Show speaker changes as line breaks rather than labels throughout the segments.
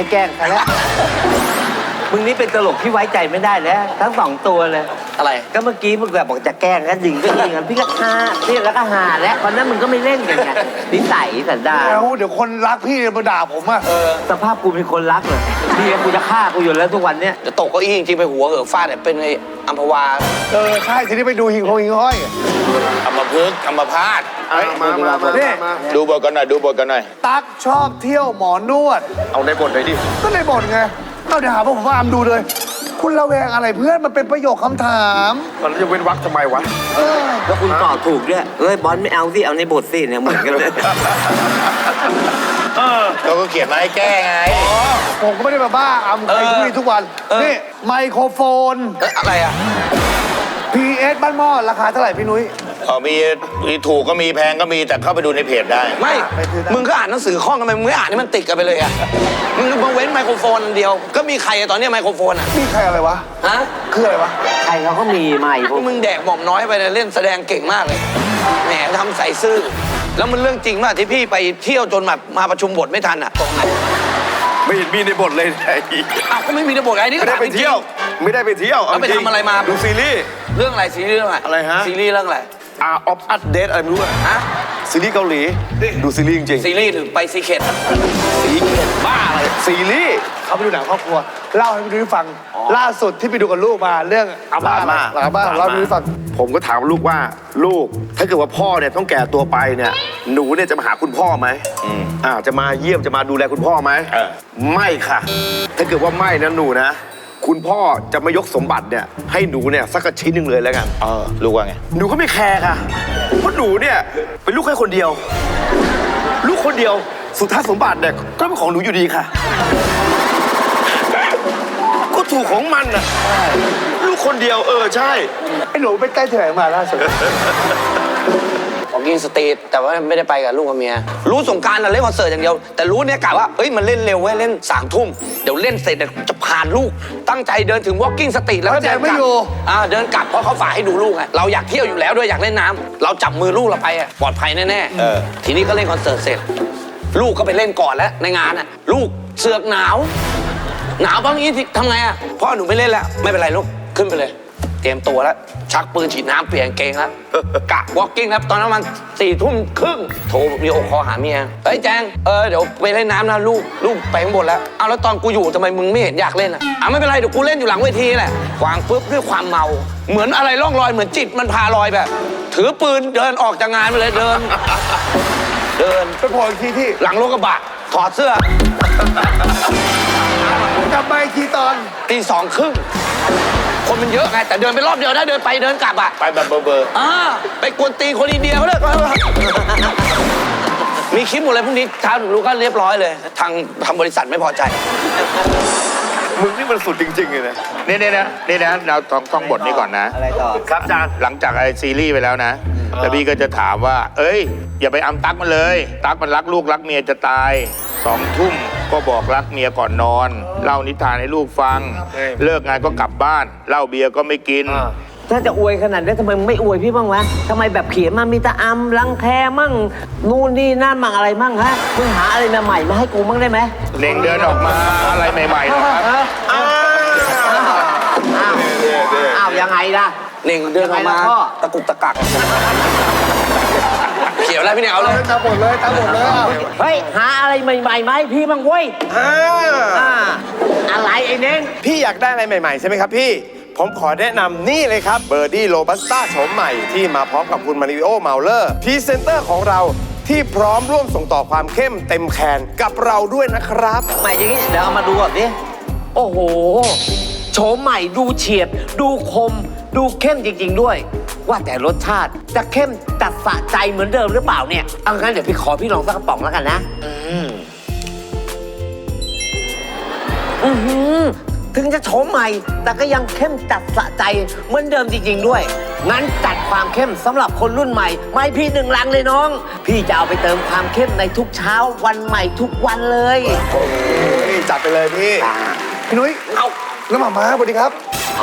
ให้แกล้งใครแล้วมึงนี่เป็นตลกที่ไว้ใจไม่ได้แล้วทั้ง2ตัวเลย
อะไร
ก็เมื่อกี้มึงแบบบอกจะแกล้งก็ยิงก็ยิงกันพี่ก็ฮาพี่แล้วก็ฮาแล้ววันนั้นมึงก็ไม่เล่นกันไงนิสัยสันดาน
เดี๋ยวคนรักพี่มาด่าผมอ่ะ
สภาพกูเป็นคนรักเลยพี่กูจะฆ่ากูอยู่แล้วทุกวันเนี้ย
จะตกเก้าอี้จริงๆไปหัวเหอะฟาดเนี่ยเป็นไอ้อัมพวา
ใช่ทีนี้ไปดูหิงห้อย
อัมพฤกษ์อัมพาต
มาเนี่ย
ดูบทกันหน่อยดูบทกันหน่อย
ตั๊กชอบเที่ยวหมอนวด
เอาในบทเลยดิ
ก็ในบทไงเอาเดี๋ยวหาว่าผมว่าอามดูเลยคุณระแวงอะไรเพื่อนมันเป็นประโยคคำถาม
มันจะเว้นวรรคทำไมวะ
แล้วคุณตอบถูกด้วยบอลไม่เอาสิเอาในบทสิเนี่ยเหมือนกันเลย
เราก็เขียนมาให้แก้ไง
ผมก็ไม่ได้มาบ้าอามใครคุยทุกวันนี่ไมโครโฟน
อะไรอ่ะ
PS บ้านหม้อราคาเท่าไหร่พี่นุ้ย
มีถูกก็มีแพงก็มีแต่เข้าไปดูในเพจได้
ไม่มึงก็อ่านหนังสือข้องทำไมมึงไม่อ่านให้มันติดกันไปเลยอ่ะมึงมาเว้นไมโครโฟนอันเดียวก็มีใครตอนนี้ไมโครโฟนอ่ะ
มีใครอะไรวะ
ฮะ
คืออะไรวะ
ใครเขาก็มีไมค์พวก
มึงแดกหม่อมน้อยไปเล่นแสดงเก่งมากเลยแหมทำใส่ซื่อแล้วมันเรื่องจริงมากที่พี่ไปเที่ยวจนแบบมาประชุมบทไม่ทันอ่ะตรงไหน
ไม่เห็นมีในบทเลย
อ้าวก็ไม่มีในบทไงนี่
ไม่ได้ไปเที่ยวไม่ได้ไปเที่ยว
แล้วไปทำอะไรมา
ดูซีรีส์
เรื่องอะไรซีรีส์เรื่องอะไร
ฮะ
ซีรีส์เรื่องอะไร
ออฟอัปเดตอะไรไม่รู้อะ
ฮะ
ซีรีส์เกาหลีดูซีรีส์จริง
ซีรีส์หรือไปซีเคทซีเคทบ้าอะไร
ซีรีส์
เขาไปดูหนังครอบครัวเล่าให้พี่นุ้ยฟังล่าสุดที่ไปดูกับลูกมาเรื่องอาม่าเล่าให้พี่นุ้ยฟัง
ผมก็ถามลูกว่าลูกถ้าเกิดว่าพ่อเนี่ยต้องแก่ตัวไปเนี่ยหนูเนี่ยจะมาหาคุณพ่อไหมจะมาเยี่ยมจะมาดูแลคุณพ่อไหมไม่ค่ะถ้าเกิดว่าไม่นะหนูนะคุณพ่อจะมายกสมบัติเนี่ยให้หนูเนี่ยสักชิ้นหนึ่งเลยแล้วกันลูกว่าไงหนูก็ไม่แคร์ค่ะเพราะหนูเนี่ยเป็นลูกแค่คนเดียวลูกคนเดียวสุดท้ายสมบัติเนี่ยก็เป็นของหนูอยู่ดีค่ะก็ถูกของมันน่ะลูกคนเดียวใช่
ไอ้หนูไปใกล้เถื่อนมาล่าสุด
ของกินสตรีทแต่ว่าไม่ได้ไปกับลูกกับเมียรู้สงการเราเล่นคอนเสิร์ตอย่างเดียวแต่รู้เนี่ยกะว่ามันเล่นเร็วเว้ยเล่น3 ทุ่มเดี๋ยวเล่นเสร็จจะผ่านลูกตั้งใจเดินถึง walking street แล้วก็เดินกลับเดินกลับเพราะเขาฝากให้ดูลูกไงเราอยากเที่ยวอยู่แล้วด้วยอยากเล่นน้ำเราจับมือลูกเราไปปลอดภัยแน่ๆทีนี้ก็เล่นคอนเสิร์ตเสร็จลูกก็ไปเล่นก่อนแล้วในงานลูกเสือกหนาวบางทีทำไงพ่อหนูไม่เล่นแล้วไม่เป็นไรลูกขึ้นไปเลยเตรียมตัวแล้วชักปืนฉีดน้ำเปลี่ยนเกงแล้วกะ walking ครับตอนนั้นมัน4 ทุ่มครึ่งโทรวิดีโอคอลหาเมียแจงเดี๋ยวไปเล่นน้ำนะลูกไปข้างบนแล้วเอาแล้วตอนกูอยู่ทำไมมึงไม่เห็นอยากเล่นไม่เป็นไรเดี๋ยวกูเล่นอยู่หลังเวทีแหละวางปุ๊บด้วยความเมาเหมือนอะไรล่องลอยเหมือนจิตมันพาลอยแบบถือปืนเดินออกจากงานไปเลยเดิน
ไปโผล่อีกทีที่
หลังรถกระบะถอดเสื้
อกลับมาอีกทีตอน
ตี 2 ครึ่งคนมันเยอะไงแต่เดินไปรอบเดียวได้เดินไปเดินกลับ
ไปแบบเบอร์
ไปกวนตีคนอินเดียเขาเลยมีคลิปหมดเลยพรุ่งนี้เช้าถึงรู้ก็เรียบร้อยเลยทางบริษัทไม่พอใจ
มึงนี่มันสุดจริงๆเลยนะนี่นะเราต้องบทนี้ก่อนนะ
อะไรต่อ
ครับอาจารย์หลังจากไอ้ซีรีส์ไปแล้วนะแล้วพี่ก็จะถามว่าอย่าไปตั๊กมันเลยตั๊กมันรักลูกรักเมียจะตาย2 ทุ่มก็บอกรักเมียก่อนนอนเล่านิทานให้ลูกฟังเลิกงานก็กลับบ้านเหล้าเบียร์ก็ไม่กิน
ถ้าจะอวยขนาดนี้ทำไมไม่อวยพี่บ้างวะทำไมแบบเขียนมามีแต่อำรังแคมั่งนู่นนี่นั่นมั่งอะไรมั่งฮะมึงหาอะไรใหม่ๆมาให้กูบ้างได้ไหม
เน่งเดินออกมาอะไรใหม่ๆนะครับ
อ้าวยังไงล่ะ
เน่งเดินออกมาตะกุกตะกักเขียวแล้วพี่เนี่ยเอาเลย
ตามหมดเลย
เฮ้ยหาอะไรใหม่ๆไหมพี่บ้างเว้ยอะไรไอ้เน่ง
พี่อยากได้อะไรใหม่ๆใช่ไหมครับพี่ผมขอแนะนำนี่เลยครับเบอร์ดี้โรบัสต้าโฉมใหม่ที่มาพร้อมกับคุณมาริโอเมาเลอร์พรีเซนเตอร์ของเราที่พร้อมร่วมส่งต่อความเข้มเต็มแขนกับเราด้วยนะครับ
ใหม่อย่างนี้เดี๋ยวเอามาดูก่อนดิโอ้โหโฉมใหม่ดูเฉียบดูคมดูเข้มจริงๆด้วยว่าแต่รสชาติจะเข้มจัดสะใจเหมือนเดิมหรือเปล่าเนี่ยเอางั้นเดี๋ยวพี่ลองสักกระป๋องแล้วกันนะถึงจะโฉมใหม่แต่ก็ยังเข้มจัดสะใจเหมือนเดิมจริงๆด้วยงั้นจัดความเข้มสำหรับคนรุ่นใหม่ไม่พี่1 ลังเลยน้องพี่จะเอาไปเติมความเข้มในทุกเช้าวันใหม่ทุกวันเลย
จัดไปเลยพี่นุ้ยเอาน้ำหม่ำมาสวัสดีครับ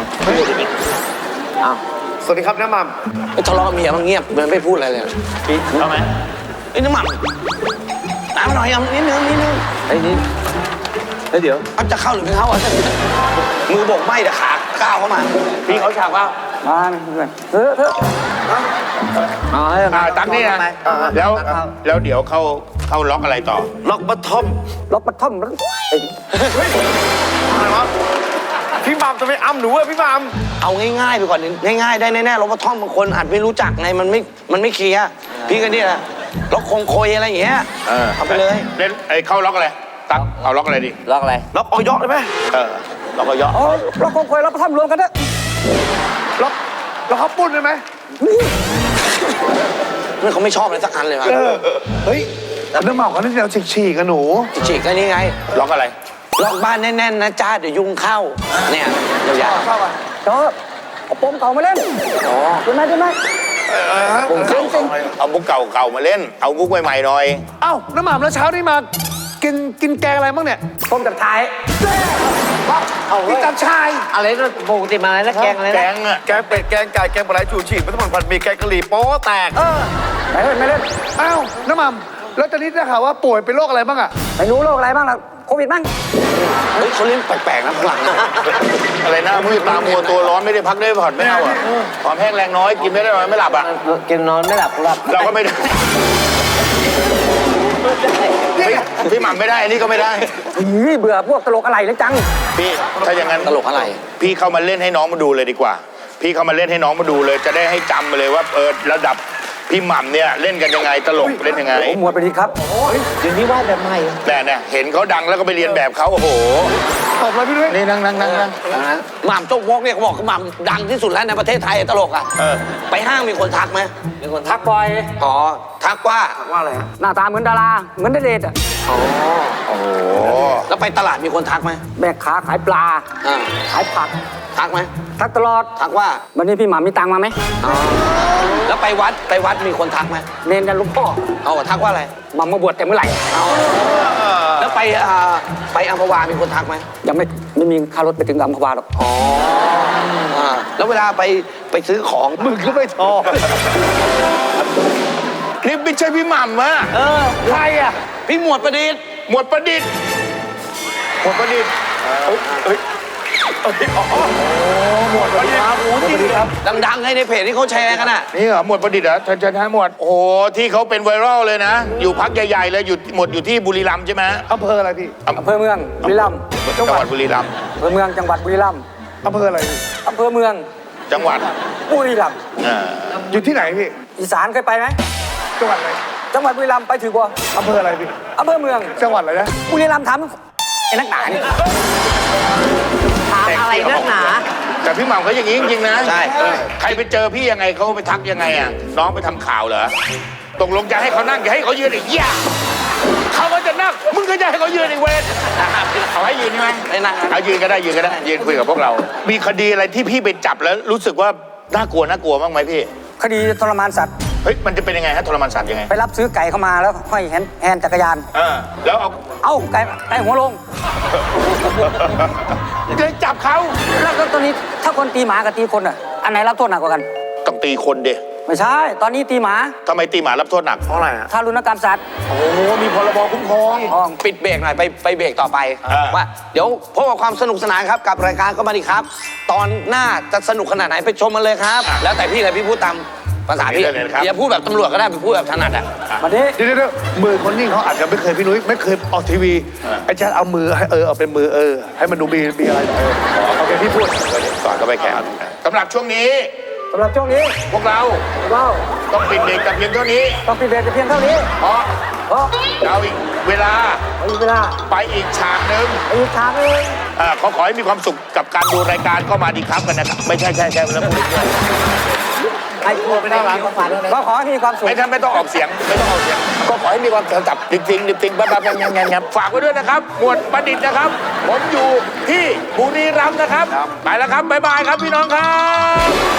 สวัสดีครับน้ำหม่
ำทะเลาะเมียมันเงียบมันไม่พูดอะไรเลย
พี่เอาไหม
น้ำหม่ำน้ำหน่อยนิดนึง
ไอ้นี่
แล้วเดี๋ยว
เอาจะเข้าหรือไม่เข้าอ่ะมือโบกไม่แต่ขาก้าวเข้ามา
พี่เขาฉากว่า
มาเพื่อนเถอะ
ตั้งนี่นะแล้วเดี๋ยวเข้าล็อกอะไรต่อ
ล็อกบัตทอม
ล็อกปัดท่อม
อะไรวะพี่หมัมจะไปอ้ำหนูอะพี่หมัม
เอาง่ายๆไปก่อนง่ายๆได้แน่ๆล็อกปัดท่อมบางคนอาจไม่รู้จักไงมันไม่เคลียร์พี่ก็นี่แหละล็อกคงโคยอะไรอย่างเงี้ยเอาไปเลย
เล่นเข้าล็อกอะไรตั๊กเอาล็อกอะไรดี
ล็อกอะไร
ล็อกออยอได้ไหม
ล็อกก็เยอะ
ล็อกคงโคยล็อกปัดท่อมรวมกันเถอะ
แล้วเขาปุ้นได้ไหม
เพื่อนเขาไม่ชอบอะไรสักอันเลยครับ
เฮ้ยน้ำเมาเขาเล่นแนวฉีกๆกันหนู
ฉีกก็นี่ไง
ล็อกอะไร
ล็อกบ้านแน่นๆนะจ้าเดี๋ยวยุงเข้าเนี่ยยาว
เข้าอ่ะ
ๆเอาโปมเก่ามาเล่นอ๋อได้ไหม
มุกเก่าเอามุกเก่ามาเล่น เอามุกใหม่ๆหน่อย
เอ้าน้ำหม่ำแล้วเช้านี้มากินแกงอะไรบ้างเนี่ย
ต้มจากท้าย
กินจับชาย
อะไรนะปกติมาอะไรนะแกงอะไร
แก
นะ
งอะ
แกงเป็ดแกงไก่แกงปลาไหลชูชีพมัสมั่นผัดหมี่แกงกะหรี่โป๊แตก
ไม่เล่น
เอ้าน้ำหม่ำแล้วตอนนี้ได้ข่าวว่าป่วยเป็นโรคอะไรบ้างอะ
ไม่รู้โรคอะไรบ้างล่ะโควิดบ้างเฮ้ยเขาเล่นแปลกๆนะหลังนะ
อะไรนะมือตามัวตัวร้อนไม่ได้พักได้ผ่อนไม่เอาอ่ะความแห้งแรงน้อยกินไม่ได้น้อยไม่หลับอ่ะ
กินนอนไม่หลับ
เราก็ไม่ได้พี่หม่ำไม่ได้อันนี้ก็ไม่ได้
เบื่อพวกตลกอะไรเลยจัง
พี่ถ้าอย่างนั้น
ตลกอะไร
พี่เข้ามาเล่นให้น้องมาดูเลยดีกว่า พี่เข้ามาเล่นให้น้องมาดูเลย จะได้ให้จำมาเลยว่าระดับพี่หม่ำเนี่ยเล่นกันยังไงตลกเล่นยังไง
หมวดไปดีครับ
เดี๋ยวนี้ว่าแบบใหม่
แต่เนี่ยเห็นเขาดังแล้วก็ไปเรียนแบบเขาโอ้โห
ตบเลยพี่ด้วย
นี่นั่ง
หม่ำโจ๊กวอกเนี่ยเขาบอกหม่ำดังที่สุดแล้วในประเทศไทยตลกอ่ะไปห้างมีคนทักไหม
มีคนทักบ่อย
อ๋อทักว่า
หน้าตาเหมือนดารา เหมือนณเดชน์อ่ะ
โอ้โห
แล้วไปตลาดมีคนทักไหม
แบกขาขายปลา
อ่า
ขายผัก
ทักไหม
ทักตลอด
ทักว่า
วันนี้พี่หมามีตังค์มาไหม
อ๋อแล้วไปวัดมีคนทักไหม
เนนยันหลุงพ่อ
เอาทักว่าอะไร
หมามาบวชแต่เมื่อไหร่
เอาแล้วไปอัมพวามีคนทักไหม
ยังไม่มีค่ารถไปถึงอัมพวาหรอก
อ๋อแล้วเวลาไปซื้อของ
มึงก็ไม่ทอ
นี่ไม่ใช่พี่หม่ำอะ
ใครอะ
พี่หมวดประดิษฐ์
หมวดประดิษฐ์หมวดประดิษฐ์หมวดประดิษฐ์ครับ
ดังๆให้ในเพจที่เขาแชร์กันอ่ะ
นี่เหรอหมวดประดิษฐ์เหรอเชิญหมวดโอ้โหที่เขาเป็นไวรัลเลยนะ อยู่พักใหญ่ๆเลยอยู่ที่บุรีรัมย์ใช่ไหม
อำเภออะไรพี่
อำเภอเมืองบุรีรัมย์
จังหวัดบุรีรัมย์
อำเภอเมืองจังหวัดบุรีรัมย์
อำเภออะไรพี่
อำเภอเมือง
จังหวัด
บุรีรัมย์
อ่า
อยู่ที่ไหนพี่
อีสานเคยไปไหม
จังหวัดอะไร
จังหวัดบุรีรัมย์ไปถือบ่
อำเภออะไรพี่
อำเภอเมือง
จังหวัดอะไรนะ
บุรีรัมย์ถามไอ้นักหนานี่
ถามอะไรนักหนา
แต่พี่หม่ำเขาอย่างนี้จริงๆนะ
ใช่
ใครไปเจอพี่ยังไงเขาไปทักยังไงอ่ะน้องไปทำข่าวเหรอตกลงจะให้เขานั่งจะให้เขายืนอีกย่าเขาก็จะนั่งมึงก็จะให้เขายืนอีกเวรเอาให้ยืนใช่ไหม
ไม่นั่ง
เอายืนก็ได้ยืนคุยกับพวกเรา มีคดีอะไรที่พี่ไปจับแล้วรู้สึกว่าน่ากลัวบ้างไหมพี่
คดีทรมานสัตว์
เฮ้ยมันจะเป็นยังไงฮะทรมานสัตว์ยังไง
ไปรับซื้อไก่เข้ามาแล้วห้อยแฮนด์จักรยาน
แล้วเอา
เอ้าไก่หัวลง
เลยจับเขา
แล้วก็ตอนนี้ถ้าคนตีหมากับตีคนอ่ะ อันไหนรับโทษหนักกว่ากัน
ต้องตีคนเด
ไม่ใช่ ตอนนี้ตีหมา
ทำไมตีหมารับโทษหนักเพราะอะไรฮะ
ทารุณกรรมสัตว์
โอ้โหมีพรบคุ้มครอง
ปิดเบรกหน่อยไปเบรกต่อไป ว่าเดี๋ยวพบกับความสนุกสนานครับกับรายการก็มาดีครับ ตอนหน้าจะสนุกขนาดไหนไปชมมันเลยครับ แล้วแต่พี่เลยพี่พูดตามภาษาพี่อย่าพูดแบบตำรวจก็ได้ไปพูดแบบถนัดอ่ะ
วันนี้
เดี๋ยวมือคนนิ่งเขาอาจจะไม่เคยพี่นุ้ยไม่เคยออกทีวีไอ้แจ๊ดเอามือให้เอาเป็นมือให้มันดูมีอะไรโอเคพี่พูด
สอนก็ไปแข่งสำหรับช่วงนี้
สำหรับช่วงนี้
พวกเรา
เรา
ต้องปิดเบรกแต่เพียงเท่านี้
ต้องปิดเบรกแต่เพียงเท่านี้
เพราะ
เพราะ
เราอีกเวลา
มีเวลา
ไปอีกฉากหนึ่ง
อีกทางหนึง
ขอให้มีความสุขกับการดูรายการก็มาดีครับกันนะครับไม่ใช่แล้วพูด
ใครกลัวไปได้ร้านก็ฟันเลย
ก็ขอให้มีความสุข
ไม่ต้องออกเสียงก็ขอให้มีความจับดิงบ้างับฝากไว้ด้วยนะครับหมวดประดิษฐ์นะครับ ผมอยู่ที่บุรีรัมย์นะครับไปแล้วครับบ๊ายบายครับพี่น้องครับ